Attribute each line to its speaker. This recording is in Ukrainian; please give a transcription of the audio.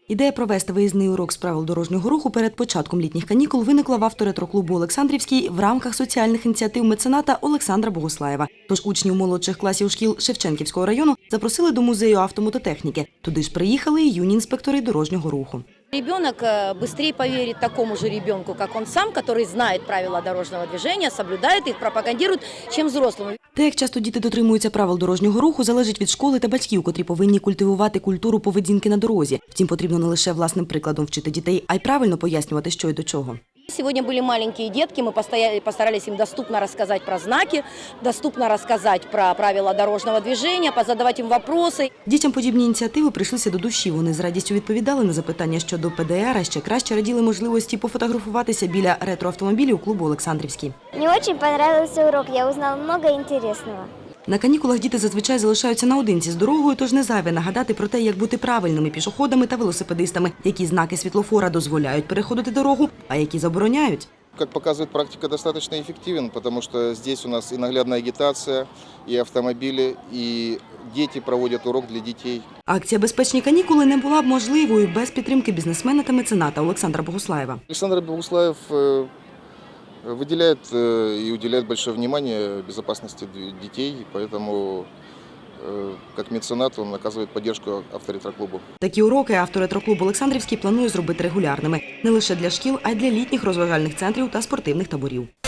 Speaker 1: Ідея провести виїзний урок з правил дорожнього руху перед початком літніх канікул виникла в авторетроклубу «Олександрівський» в рамках соціальних ініціатив мецената Олександра Богуслаєва. Тож учнів молодших класів шкіл Шевченківського району запросили до музею автомототехніки. Туди ж приїхали і юні інспектори дорожнього руху.
Speaker 2: Ребенок быстрее поверит такому же ребенку, как он сам, который знает правила дорожного движения, соблюдает их, пропагандирует, чем взрослому.
Speaker 1: Те, як часто діти дотримуються правил дорожнього руху, залежить від школи та батьків, котрі повинні культивувати культуру поведінки на дорозі. Втім, потрібно не лише власним прикладом вчити дітей, а й правильно пояснювати, що й до чого.
Speaker 2: Сегодня были маленькие детки, мы постарались им доступно рассказать про знаки, доступно рассказать про правила дорожного движения, позадавать им вопросы.
Speaker 1: Дітям подібні ініціативи прийшлися до душі. Вони з радістю відповідали на запитання щодо ПДР, а ще краще раділи можливості пофотографуватися біля ретроавтомобілів клубу «Олександрівський».
Speaker 3: Мне очень понравился урок, я узнала много интересного.
Speaker 1: На канікулах діти зазвичай залишаються наодинці з дорогою, тож не зайве нагадати про те, як бути правильними пішоходами та велосипедистами, які знаки світлофора дозволяють переходити дорогу, а які забороняють.
Speaker 4: Как показывает практика, достаточно эффективен, потому что здесь у нас и наглядная агитация, и автомобили, и дети проводят урок для детей.
Speaker 1: Акція «Безпечні канікули» не була б можливою без підтримки бізнесмена та мецената Олександра Богуслаєва.
Speaker 4: Александр Богуслаев выделяет и уделяет большое внимание безопасности детей, поэтому как меценат он оказывает поддержку авторетроклубу.
Speaker 1: Такі уроки авторетроклуб «Олександрівський» планує зробити регулярними. Не лише для шкіл, а й для літніх розважальних центрів та спортивних таборів.